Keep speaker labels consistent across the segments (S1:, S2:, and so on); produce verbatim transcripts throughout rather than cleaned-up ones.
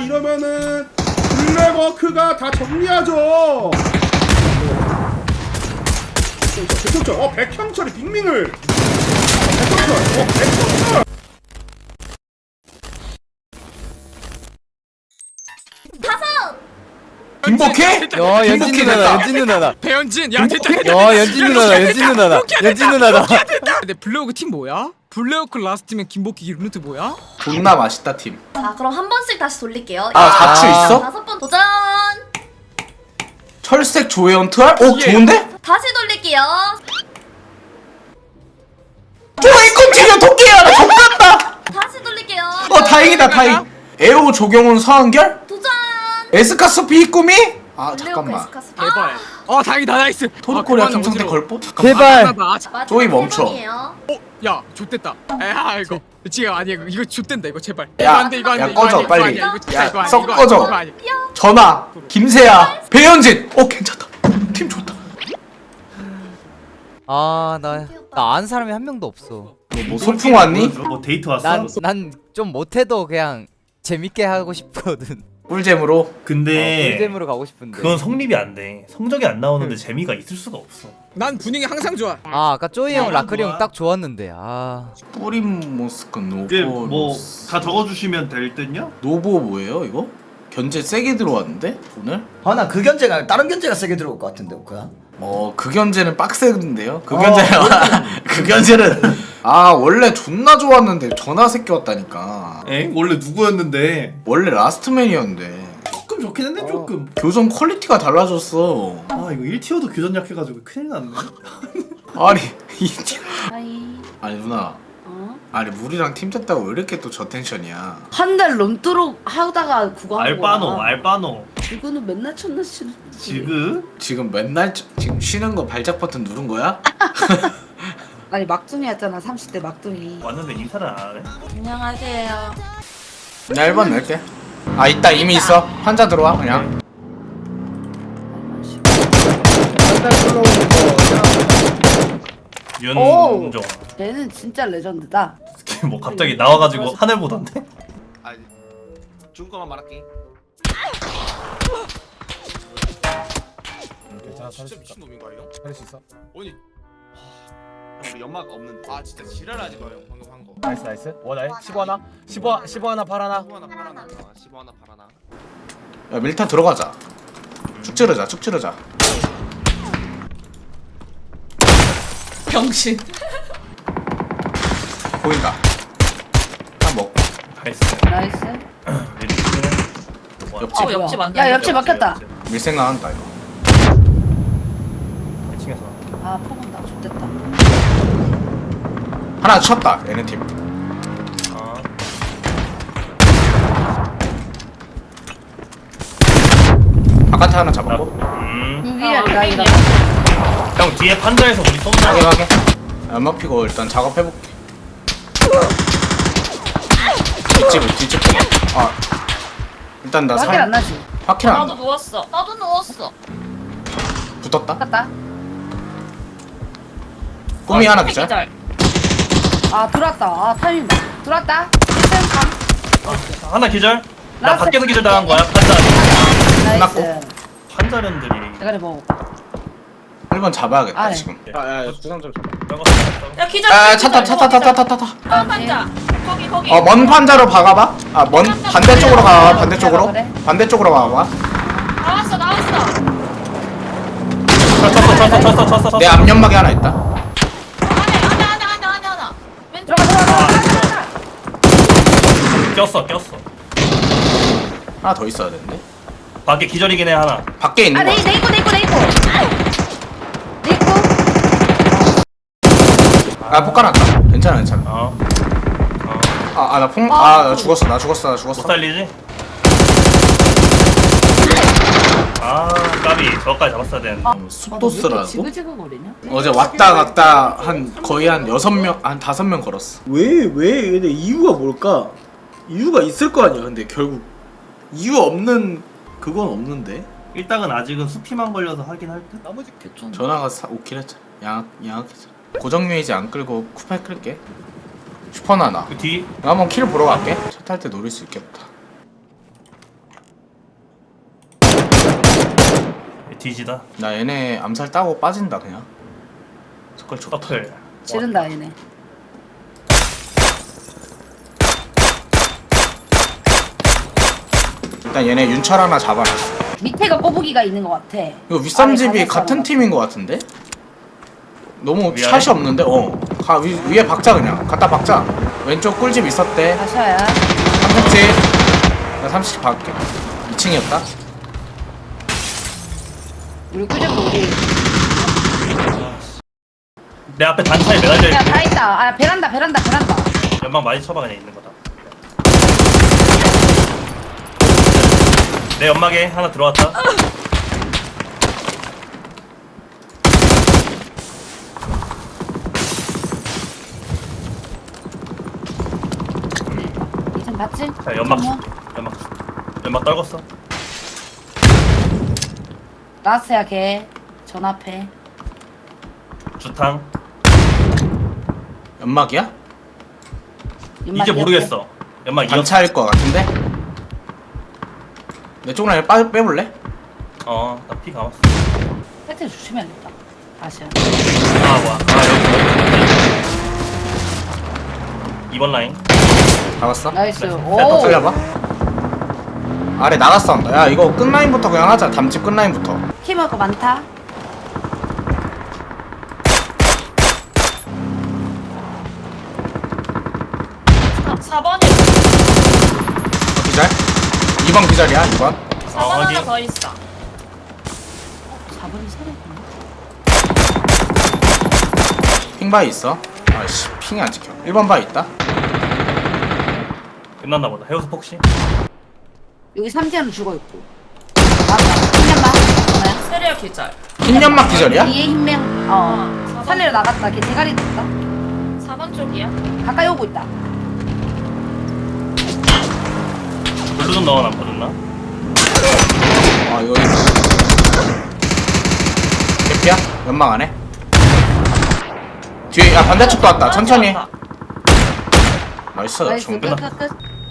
S1: 이러면은 블랙워크가 다 정리하죠. 백형철, 어 백형철이 빅밍을. 백형철, 어 백형철.
S2: 다섯.
S3: 김복희?
S4: 야 연진 누나다 연진 누나다
S5: 배현진 야 됐다 됐다
S4: 야 연진 누나다 연진 누나다 연진 누나다
S5: 근데 블랙워크 팀 뭐야? 블랙워크 라스트면 김복희 루트 뭐야?
S3: 존나 맛있다 팀.
S2: 자 그럼 한 번씩 다시 돌릴게요.
S3: 아 자추
S4: 아.
S3: 있어?
S2: 다섯 번 도전.
S3: 철색 조회원 투알? 오
S5: 예.
S3: 좋은데?
S2: 다시 돌릴게요.
S3: 조이콘 튀겨 토끼야 나 족같다.
S2: 다시 돌릴게요.
S3: 어 다행이다 다행. 에오 조경훈 서한결?
S2: 도전.
S3: 에스카스 비꾸미? 아 잠깐만.
S2: 에스카스.
S5: 제발 어 다행이다 나이스
S3: 토르코리아
S5: 아, 그만,
S3: 김성태
S5: 어지러워.
S3: 걸보? 잠깐만.
S4: 제발
S5: 하나다. 아, 자-
S2: 마지막
S3: 조이
S2: 세
S3: 멈춰.
S2: 번이에요.
S5: 어? 야 좆됐다 아 이거 지금 아니야 이거, 이거 좆된다 이거 제발
S3: 야,
S5: 이거 안돼 이거 안돼
S3: 야,
S5: 이거
S3: 꺼져,
S5: 아니야,
S3: 빨리.
S5: 이거 아니야, 이거
S3: 야,
S5: 이거 아니야,
S3: 썩
S5: 이거
S3: 꺼져.
S5: 아니야, 이거 아니야.
S3: 전화 김세아 배현진. 어 괜찮다. 팀 좋다.
S4: 아나 나 아는 사람이 한 명도 없어
S3: 뭐 소풍 왔니?
S6: 뭐 데이트 왔어?
S4: 난 난 좀 못해도 그냥 재밌게 하고 싶거든
S3: 꿀잼으로.
S6: 근데
S4: 꿀잼으로 가고 싶은데
S6: 그건 성립이 안 돼. 성적이 안 나오는데 재미가 있을 수가 없어.
S5: 난 분위기 항상 좋아
S4: 아 아까 쪼이 형
S6: 네,
S4: 라크리
S6: 좋아.
S4: 형 딱 좋았는데 아
S3: 뿌림 모스크 노보.
S7: 이게 뭐 다 적어주시면 될 듯요?
S3: 노보 뭐예요 이거? 견제 세게 들어왔는데 오늘?
S8: 아 나 그 견제가 다른 견제가 세게 들어올 것 같은데 오크야.
S3: 어, 그 견제는 빡세는데요? 그
S8: 어,
S3: 견제는 그 견제는 아 원래 존나 좋았는데 전화 새끼 왔다니까.
S7: 에? 원래 누구였는데?
S3: 원래 라스트맨이었는데
S7: 조금 좋긴 했네 조금.
S3: 교전 퀄리티가 달라졌어.
S7: 아 이거 일 티어도 교전 약해가지고 큰일 났네.
S3: 아니 이 팀-
S9: 아이,
S3: 아니 누나
S9: 어?
S3: 아니 물이랑 팀 짰다고 왜 이렇게 또 저 텐션이야?
S9: 한 달 넘도록 하다가 그거 한
S6: 알바노,
S9: 거야.
S6: 알바노.
S9: 이거는 맨날 첫날 치는
S7: 지금?
S3: 지금 맨날 저- 지금 쉬는 거 발작 버튼 누른 거야?
S9: 아니 막둥이였잖아 삼십 대 막둥이.
S6: 왔는데 인사를 안 하네.
S9: 안녕하세요.
S3: 나 일 번 낼게. 아 있다 이미 있어. 환자 들어와 그냥.
S9: 오!
S6: 윤종.
S9: 얘는 진짜 레전드다.
S6: 뭐 갑자기 나와가지고 하늘 보던데?
S10: 아니 준 거만 말할게.
S5: 괜찮아
S10: 진짜 미친 놈인가 형?
S5: 살릴 수 있어
S10: 아니 하... 우리 연막 없는데. 아 진짜 지랄하지 마 형 방금 한 거.
S5: 나이스 나이스 원나이 십오 하나 십오 십오 하나 팔 하나
S10: 십오 하나 팔 하나. 아 십오 하나 팔 하나.
S3: 야 밀타 들어가자. 쭉 찌르자 쭉 찌르자. 병신. 보인다. 한 먹고.
S6: 나이스.
S9: 나이스.
S3: 옆집.
S9: 어, 옆집 안 야, 옆집 막혔다.
S3: 밀 생각한다 이거.
S6: 이 층에서.
S9: 아, 퍼본다. 좋됐다.
S3: 하나 쳤다 얘네 팀.
S6: 아.
S3: 바깥에 하나 잡았고.
S6: 음.
S9: 여기야, 나 이거.
S6: 형 뒤에 판자에서 우리 쏜다.
S3: 하게 하게. 연막 피고 일단 작업해볼게. 뒷집을 뒷집 보고. 아 일단 나
S9: 밖에 안
S3: 살.
S9: 나지.
S3: 확킬 안
S2: 나도
S3: 나.
S2: 누웠어. 나도 누웠어.
S3: 붙었다.
S9: 갔다.
S3: 꿈이 하나 기절.
S9: 아, 들어왔다. 아, 타이밍 봐. 들어왔다. 일단 감.
S6: 하나 기절. 나
S9: 라스트.
S6: 밖에서 기절 당한 거야. 판자.
S9: 나이스.
S3: 끝났고.
S6: 판자련들이.
S9: 대가리 먹어.
S3: 일 번 잡아야겠다
S9: 아, 네.
S3: 지금.
S5: 야야 구상 좀
S2: 야 기절.
S3: 아 차타 차타 타타 타타 타.
S2: 아 판자. 거기 거기.
S3: 어 먼 판자로 박아봐. 아 먼 반대쪽으로 가. 반대쪽으로.
S9: 그래.
S3: 반대쪽으로 가봐.
S2: 나왔어 나왔어.
S6: 쳤어 쳤어 쳤어 쳤어 쳤어.
S3: 내 앞연막에 하나 있다.
S2: 안에 안에 안에 안에 안에 하나. 왼쪽.
S9: 들어가, 들어가, 들어가.
S6: 꼈어 꼈어.
S3: 하나 더 있어야 되는데.
S6: 밖에 기절이긴 해 하나.
S3: 밖에 있는
S9: 아,
S3: 거.
S9: 네, 네 있고, 네 있고, 네 있고. 네 있고.
S3: 아 폭간았다. 괜찮아 괜찮아.
S6: 어. 어.
S3: 아나 폭. 아 나 죽었어 나 죽었어 나
S6: 못
S3: 죽었어.
S6: 살리지? 아 까비 저까지 잡았어야 되는데.
S3: 음, 숲도스라고?
S9: 지그지그거리냐?
S3: 어제 왔다 갔다 한 거의 한 여섯 명, 한 다섯 명 걸었어. 왜, 왜? 근데 이유가 뭘까? 이유가 있을 거 아니야, 근데 결국. 이유 없는, 그건 없는데?
S6: 일당은 아직은 수피만 걸려서 하긴 할 듯?
S5: 나머지
S3: 전화가 사, 오킬 했잖아. 양악, 양악했잖아. 고정유이지 안 끌고 쿠파에 끌게. 슈퍼나나.
S6: 그 뒤?
S3: 나 한번 킬 보러 갈게. 차 탈 때 노릴 수 있겠다.
S6: 뒤지다.
S3: 나 얘네 암살 따고 빠진다 그냥. 석걸 좋다.
S6: 서플.
S9: 지른다 얘네.
S3: 일단 얘네 윤철 하나 잡아놨어.
S9: 밑에가 꼬부기가 있는 것 같아.
S3: 이거 윗삼집이
S9: 아니,
S3: 같은
S9: 가졌어.
S3: 팀인 것 같은데? 너무
S6: 위아래?
S3: 샷이 없는데? 어. 가 위, 위에 박자 그냥. 갖다 박자. 왼쪽 꿀집 있었대.
S9: 다시야.
S3: 삼층집. 나 삼층집 박을게. 이 층이었다.
S9: 우리 꾸준히 우리.
S6: 내 앞에 단차에 매달려
S9: 야
S6: 있고.
S9: 다 있다. 아 베란다 베란다 베란다.
S6: 연막 많이 쳐봐 그냥 있는 거다. 내 연막에 하나 들어왔다.
S9: 이젠 봤지?
S6: 자 연막
S9: 어머.
S6: 연막 연막 떨궜어.
S9: 라스야 걔. 전 앞에.
S6: 주탕.
S3: 연막이야?
S9: 연막
S6: 이제
S9: 이렇게.
S6: 모르겠어. 연막 이었어.
S3: 단차일 것 같은데? 내 쪽 라인 빠, 빼볼래?
S6: 어나 피 감았어.
S9: 팩트 조심해야겠다. 다시야.
S6: 아 뭐야. 아 여기. 이번 라인.
S3: 잡았어?
S9: 나이스.
S6: 네,
S9: 오.
S6: 네,
S3: 살려봐. 아래 나갔어. 야 이거 끝라인부터 그냥 하자. 담집 끝라인부터.
S9: 키머가 많다.
S2: 사 번이
S3: 기절? 이 번 기절이야 이 번.
S2: 사 번
S6: 어,
S2: 하나
S6: 확인.
S2: 더 있어.
S9: 사 번이 살았구나.
S3: 핑 바위 있어. 아씨 핑이 안 찍혀. 일 번 바위 있다.
S6: 끝났나 보다. 해우스 폭시.
S9: 여기 삼지아는 죽어 있고. 맞다. 흰연막. 뭐야?
S2: 세리얼 기절.
S3: 흰 연막 기절이야?
S9: 뒤에 흰명. 어.
S2: 사 번.
S9: 산에로 나갔다. 걔 대가리 됐다.
S2: 사 번 쪽이야.
S9: 가까이 오고 있다.
S6: 블루 좀 넣어 남거든나.
S3: 아 이거 개피야? 연막 안 해? 뒤에 야 반대쪽도 왔다. 천천히.
S2: 왔다.
S3: 나이스.
S9: 나이스.
S3: 중
S9: 끝,
S3: 끝.
S9: 끝, 끝.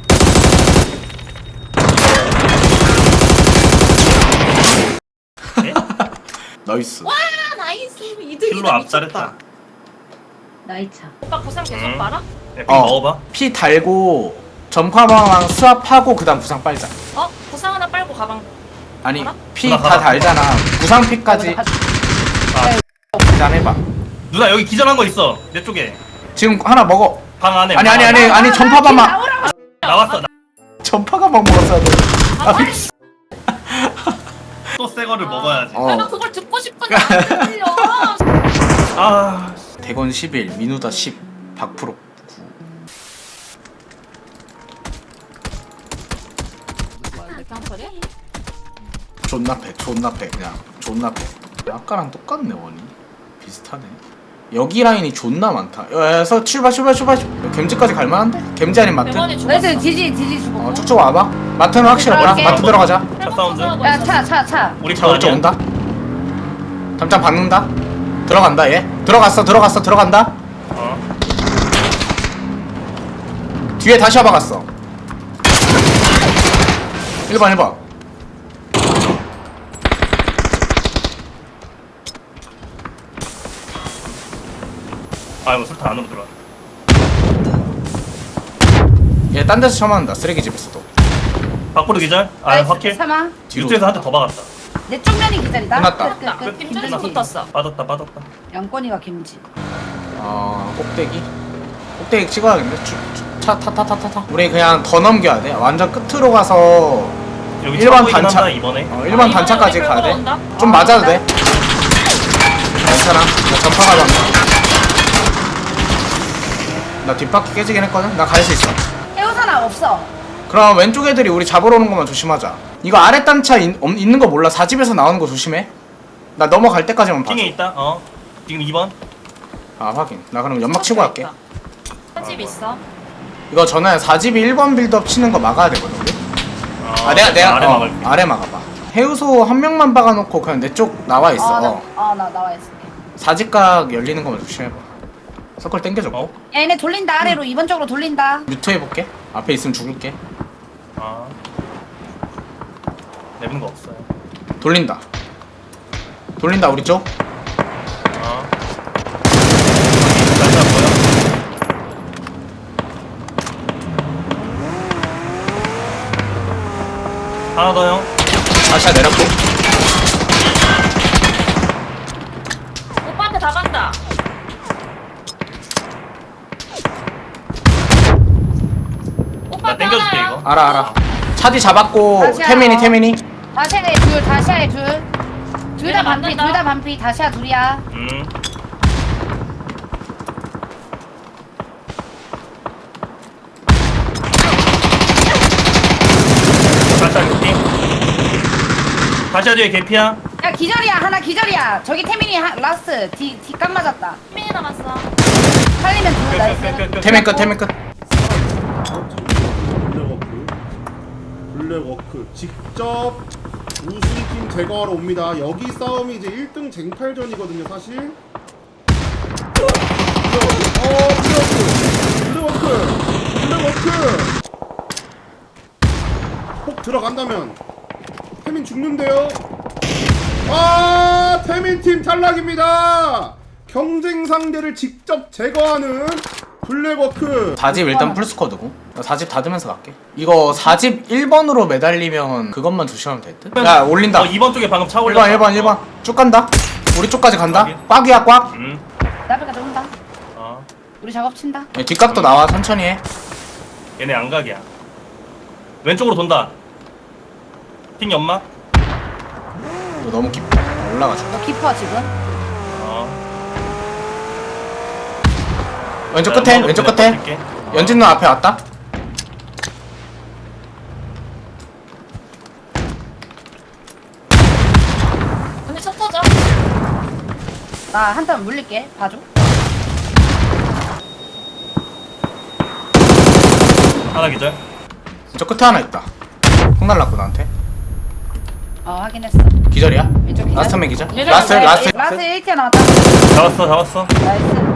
S3: 나이스.
S2: 아, 나이스. 이득이다.
S6: 킬로 앞살했다.
S9: 나이차.
S2: 오빠 구상 계속
S6: 음.
S2: 말아?
S6: 야, 피
S3: 어.
S6: 먹어봐.
S3: 피 달고 점화방랑 수압하고 그다음 부상 빨자.
S2: 어? 구상 하나 빨고 가방.
S3: 아니
S2: 알아?
S3: 피
S6: 누나
S3: 다
S6: 가봐.
S3: 달잖아. 부상 피까지 계산해봐.
S6: 누나 여기 기절한 거 있어. 내 쪽에.
S3: 지금 하나 먹어.
S6: 방 안에.
S3: 아니
S6: 방
S3: 아니
S6: 안에.
S3: 아니 아니 전파가만
S9: 나오라고.
S6: 나왔어. 나...
S3: 전파가만 먹었어야 돼.
S2: 아, 빨리.
S6: 또새 거를 먹어야지.
S3: 어.
S2: 나 그걸 듣고 싶은데 안 들려.
S6: 아.
S3: 대건 십일, 민우다 십, 박프로 구.
S2: 일단 소리?
S3: 존나 패, 존나 패, 그냥 존나 패. 아까랑 똑같네 원이. 비슷하네. 여기 라인이 존나 많다. 여기서 출발 출발 출발. gem지까지 갈만한데? gem지 아닌 마트?
S2: 대건이 죽었어.
S9: 나이스. 지지 지지 죽어.
S3: 어 쭉쭉 와봐. 마트는 확실해 보여.
S9: 들어갈게.
S3: 마트 들어가자.
S6: 차 사운드.
S9: 야 차 차 차.
S6: 우리
S3: 자 우리 쪽
S6: 아니야?
S3: 온다. 담장 박는다. 들어간다 얘. 들어갔어 들어갔어 들어간다.
S6: 어.
S3: 뒤에 다시 와봐갔어. 일 번 일 번.
S6: 아이고 술탄 안으로 들어와.
S3: 얘 딴 데서 처맞는다. 쓰레기집에서도.
S6: 박보르 기절. 아
S9: 나이스.
S6: 확킬.
S9: 사망.
S3: 뒤로.
S6: 유튜에서 한 대 더 박았다.
S9: 내 쪽면이 기다리다.
S3: 끝났다.
S9: 끝, 끝, 끝.
S2: 김준수
S9: 김준수.
S2: 붙었어.
S6: 빠졌다 빠졌다.
S9: 양권이가 김지.
S3: 어 꼭대기. 꼭대기 찍어야겠네. 차타타타타타. 우리 그냥 더 넘겨야 돼. 완전 끝으로 가서
S6: 여기
S3: 일반
S6: 차 보이긴
S3: 단차.
S6: 한다, 이번에.
S3: 어, 일 번
S2: 아,
S3: 단차까지
S2: 이번에
S3: 가야 돼.
S2: 끌고 온다?
S3: 좀
S9: 아,
S3: 맞아도
S9: 맞다.
S3: 돼. 괜찮아. 나 전파가 간다. 나 뒷바퀴 깨지긴 했거든. 나 갈 수 있어.
S9: 해우사나 없어.
S3: 그럼 왼쪽 애들이 우리 잡으러 오는 것만 조심하자. 이거 아래 단차 있, 없- 있는 거 몰라. 사집에서 나오는 거 조심해. 나 넘어갈 때까지만 봐줘.
S6: 핑에 있다. 어. 지금 이 번.
S3: 아 확인. 나 그럼 연막 치고 갈게.
S2: 집 있어.
S3: 이거 전에 사집이 일 번 빌드업 치는 거 막아야 되거든 우리.
S6: 어,
S3: 아 내가 내가
S6: 아래
S3: 어,
S6: 막을게.
S3: 아래 막아봐. 해우소 한 명만 박아놓고 그냥 내 쪽 나와 있어.
S9: 아, 나,
S3: 어.
S9: 아, 나 나와 있을게.
S3: 사집각 열리는 거만 조심해봐. 서클 땡겨줘.
S6: 어?
S9: 야, 얘네 돌린다. 아래로 이번 쪽으로 돌린다.
S3: 뮤트 해볼게. 앞에 있으면 죽을게.
S6: 아. 내는 거 없어요.
S3: 돌린다. 돌린다 우리 쪽.
S6: 어. 날짜 보여? 하나 더 형.
S3: 다시야 내렸고.
S2: 오빠한테 다 간다.
S6: 나
S2: 오빠한테
S6: 땡겨줄게
S2: 하나야.
S6: 이거.
S3: 알아 알아. 차디 잡았고
S9: 다시야.
S3: 태민이 태민이.
S9: 다시아에 둘 다시아에 둘둘 다
S2: 얘네
S9: 반피
S2: 맞는다.
S9: 둘 다 반피 다시아 둘이야.
S6: 음. 살짝 느낌. 다시 뒤에 개피야.
S9: 야 기절이야 하나 기절이야. 저기 태민이 하, 라스트 뒤 뒷감 맞았다.
S2: 민이 남았어.
S9: 살리면 둘 나이스.
S6: 끝끝끝끝.
S3: 태민 끝 태민 끝.
S1: 블랙워크 블랙워크 직접 우승팀 제거하러 옵니다. 여기 싸움이 이제 일 등 쟁탈전이거든요 사실. 어 블랙워크 블랙워크 블랙워크 폭 들어간다면 태민 죽는데요. 아 태민팀 탈락입니다. 경쟁 상대를 직접 제거하는 블랙워크.
S3: 사 집 일단 풀스쿼드고. 나 사 집 닫으면서 갈게. 이거 사 집 일 번으로 매달리면 그것만 조심하면 될 듯? 야 올린다.
S6: 어 이 번 쪽에 방금 차
S3: 일
S6: 올렸다.
S3: 번 일 번 일 번 쭉 간다. 우리 쪽까지 간다.
S6: 확인.
S3: 꽉이야 꽉.
S6: 음.
S9: 나비가 온다.
S6: 어.
S9: 우리 작업 친다.
S3: 야, 뒷각도 나와 천천히 해.
S6: 얘네 안각이야. 왼쪽으로 돈다. 핑 연막.
S3: 이거 너무 깊어. 올라가 줄까?
S9: 너 깊어 지금.
S6: 어.
S3: 왼쪽
S6: 나
S3: 끝에
S6: 연막으로
S3: 왼쪽
S6: 그냥
S3: 끝에.
S6: 버틸게. 어.
S3: 연진 너 앞에 왔다.
S2: 언니 첫 터져.
S9: 나 한탄 물릴게. 봐줘.
S6: 하나 기절.
S3: 왼쪽 끝에 하나 있다. 콩 날랐고 나한테.
S9: 어 확인했어.
S3: 기절이야?
S9: 왼쪽 기절.
S3: 라스트 맨 기절?
S2: 기절.
S3: 라스트
S9: 네,
S3: 라스트.
S9: 라스트 일 티어 나왔다.
S6: 잡았어 잡았어.
S9: 나이스.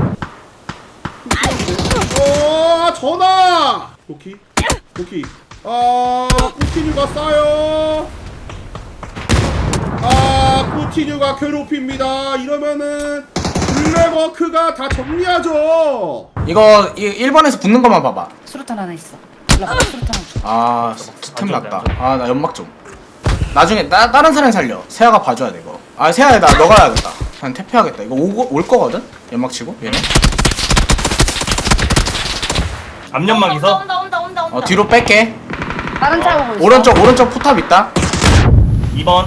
S1: 어 전화. 도키 도키. 아 꾸티뉴가 싸요. 아 꾸티뉴가 괴롭힙니다. 이러면은 블랙워크가 다 정리하죠.
S3: 이거 이 일 번에서 붙는 것만 봐봐.
S9: 수류탄 하나 있어. 올라가. 수류탄 하나 줘.
S3: 아 스템
S6: 안
S3: 났다.
S6: 좋은데,
S3: 아 나 연막 좀. 나중에 나 다른 사람 살려. 세아가 봐줘야 돼 이거. 아 세아야 나 너가 해야겠다. 그냥 태피하겠다. 이거 오고 올 거거든. 연막 치고 얘네.
S6: 앞연막
S2: 온다
S6: 있어.
S2: 온다 온다 온다 온다.
S3: 어 뒤로 뺄게.
S9: 다른 차 오고 있어.
S3: 오른쪽 오른쪽 포탑 있다.
S6: 이 번.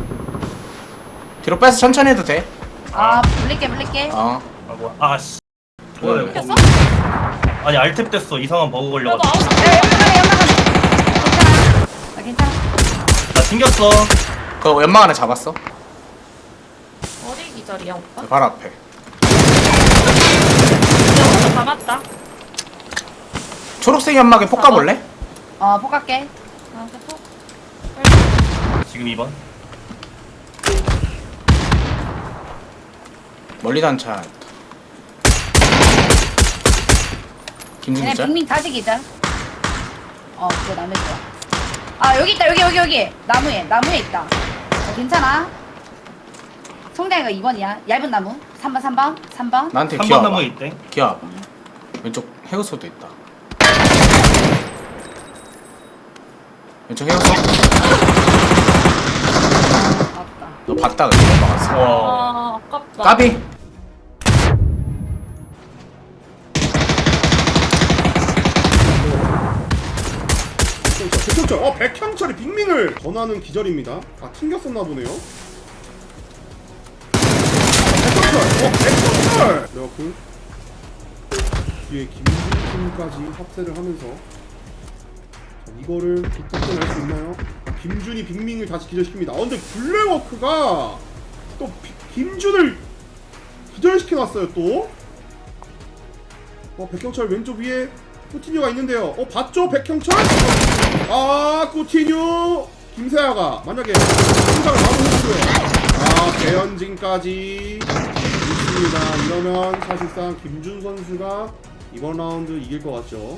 S3: 뒤로 빼서 천천히 해도 돼.
S9: 아 물릴게 물릴게.
S3: 어.
S6: 아 뭐야. 아 씨.
S3: 뭐야,
S6: 뭐야,
S3: 이거.
S6: 이거. 아니 알탭 됐어. 이상한 버그
S2: 그래도
S6: 걸려가지고.
S2: 아웃.
S9: 야 연막하네 연막하네. 괜찮아. 나 괜찮아.
S6: 나 튕겼어.
S3: 그 연막 안에 잡았어.
S2: 어디 기절이야 오빠?
S3: 바로 앞에.
S2: 내가 오빠 다 맞다.
S3: 초록색 연막에 폭 가볼래?
S9: 어 포갈게.
S2: 나한테 톡.
S6: 지금 이 번.
S3: 멀리 단차. 김준
S9: 얘네
S3: 기자.
S9: 빅민 다시 기자. 어 그거 남의 거야. 아 여기 있다 여기 여기 여기 나무에 나무에 있다. 어, 괜찮아. 성대가 이 번이야. 얇은 나무. 삼 번 삼 번 삼 번.
S3: 나한테
S6: 삼 번
S3: 기어봐.
S6: 나무에 있대.
S3: 기어봐. 왼쪽 해우소도 있다. 왼쪽 해우소.
S9: 아깝다.
S3: 너 봤다 그래 넘어갔어.
S6: 와.
S2: 아 아깝다.
S3: 까비.
S1: 백형철 어 백형철이 빅밍을 전하는 기절입니다. 다 튕겼었나 보네요. 백형철 어 백형철. 블랙워크 뒤에 김준팀까지 합세를 하면서 자, 이거를 뒷부분 할수 있나요? 김준이 빅밍을 다시 기절시킵니다. 어 근데 블랙워크가 또 비, 김준을 기절시켜놨어요 또. 어 백형철 왼쪽 위에 꾸티뉴가 있는데요. 어 봤죠 백형철? 아 꾸티뉴 김세아가 만약에 승장을 바로 해주고요. 아 배현진까지 있습니다. 이러면 사실상 김준 선수가 이번 라운드 이길 것 같죠.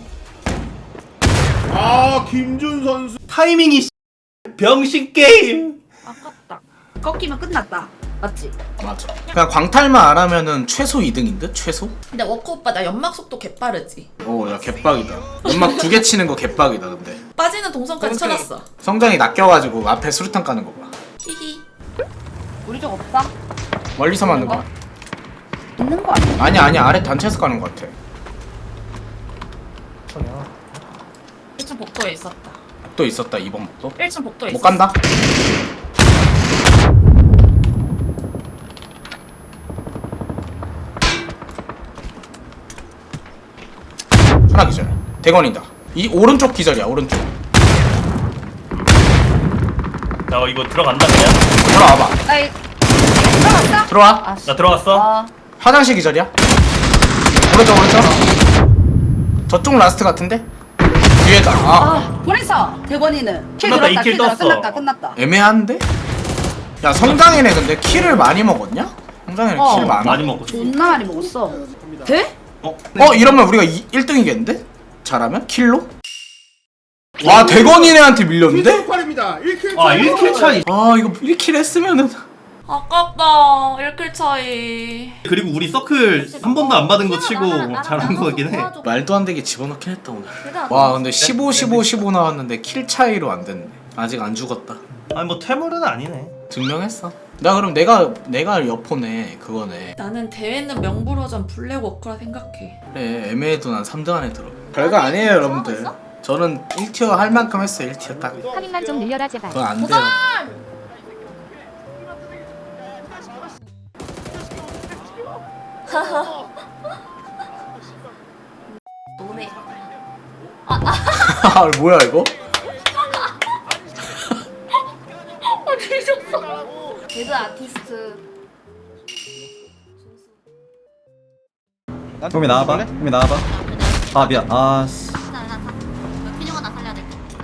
S1: 아 김준 선수
S7: 타이밍이 병신 게임.
S2: 아깝다.
S9: 꺾이면 끝났다. 맞지?
S3: 맞아. 그냥 광탈만 안 하면은 최소 이 등인 듯? 최소?
S2: 근데 워커 오빠 나 연막 속도 개빠르지.
S3: 오, 야 개빡이다. 연막 두 개 치는 거 개빡이다 근데.
S2: 빠지는 동선까지 쳐놨어.
S3: 성장이 낚여가지고 앞에 수류탄 까는 거 봐.
S2: 히히.
S9: 우리 쪽 없어?
S3: 멀리서 맞는 거.
S9: 있는 거 아니야?
S3: 아니야 아니야 아래 단체에서 까는 거 같아.
S2: 일 층 복도에 있었다.
S3: 또 있었다 이번 목도.
S2: 일 층 복도에
S3: 못
S2: 있었어.
S3: 간다. 하나 기절. 대건이다. 이 오른쪽 기절이야 오른쪽.
S6: 나 이거 들어간다 그냥.
S3: 들어와봐.
S9: 나 이... 들어갔어?
S3: 들어와.
S9: 아, 씨.
S6: 나 들어갔어.
S9: 아,
S3: 화장실 기절이야. 오른쪽 오른쪽. 저쪽 라스트 같은데? 뒤에다. 아
S9: 아, 보냈어. 대건이는 킬
S6: 끝났다,
S9: 들었다.
S6: 이킬
S9: 킬 들었다.
S6: 떴어.
S9: 끝났다. 끝났다.
S3: 애매한데? 야 성장이네 근데 킬을 많이 먹었냐? 성장이네
S9: 어.
S3: 킬 많아.
S6: 많이 먹고.
S9: 존나 많이 먹었어. 돼?
S3: 어 이러면 우리가 일 등이겠는데? 잘하면? 킬로? 와 대건이네한테 밀렸는데?
S1: 킬입니다. 일 킬
S7: 아 일 킬 차이.
S3: 아 이거 일 킬 했으면은
S2: 아깝다. 일 킬 차이.
S7: 그리고 우리 서클 한 번도 안 받은 거 치고 잘한 거긴 해.
S3: 말도 안 되게 집어넣긴 했다 오늘. 와 근데 십오 십오 십오 나왔는데 킬 차이로 안 됐네. 아직 안 죽었다.
S7: 아니 뭐 퇴물은 아니네.
S3: 증명했어. 나 그럼 내가 내가 여포네 그거네.
S2: 나는 대회는 명불허전 블랙 워커라 생각해.
S3: 그래 애매해도 난 삼 등 안에 들어. 별거 아니에요 여러분들. 저는 일 티어 할 만큼 했어요. 일 티어 딱.
S11: 파밍만 좀 늘려라 제발.
S3: 그건 안 돼요.
S2: 노네.
S3: 아 뭐야 이거?
S9: 개그 아티스트.
S10: 형이 나와봐. 형이 나와봐. 아 미안. 아 씨.
S2: 피중아 나 살려야 돼.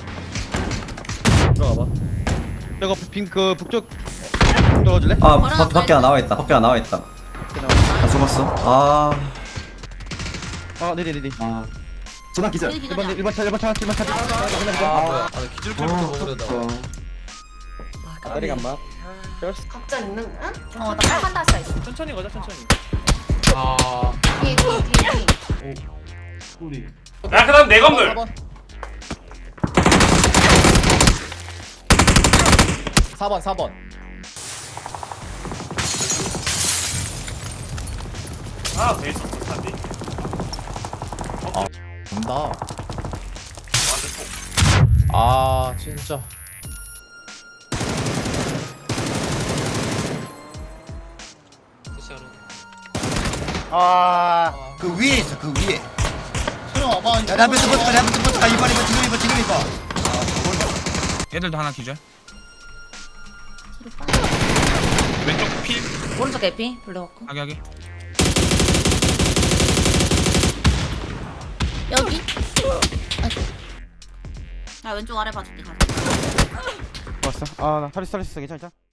S10: 들어가봐. 저거 빈그 북쪽 들어줄래? 아 밖, 밖에 안 나와 있다. 밖에 안 나와 있다. 아 죽었어. 아. 아 네네 네네. 아. 전화 기절. 일 번 일 번 차 일 번 차 일 번 차. 아 뭐야? 아 기절 꼴부터 먹으려다. 다리가 안 맞.
S2: 각자 있는 응? 어, 나 빨간 다시가 있어.
S10: 천천히 가자 천천히.
S5: 아.
S9: 뒤에 뒤에 뒤에 뒤에.
S6: 야 그다음 내 건물.
S5: 사 번 사 번.
S6: 하나 더 있었어. 단디.
S5: 온다. 아 진짜.
S8: 아, 그 위에 있어, 그 위에. 야, 내 앞에서 버텨, 내 앞에서 버텨. 이번, 이번, 지금 이번, 지금 이번.
S5: 얘들도 하나 기절.
S6: 왼쪽 피.
S2: 오른쪽 개피 블랙 워커.
S5: 하게 하게.
S2: 여기. 아 왼쪽 아래 봐줄게.
S10: 왔어. 아나 탈리스 탈리스 괜찮아.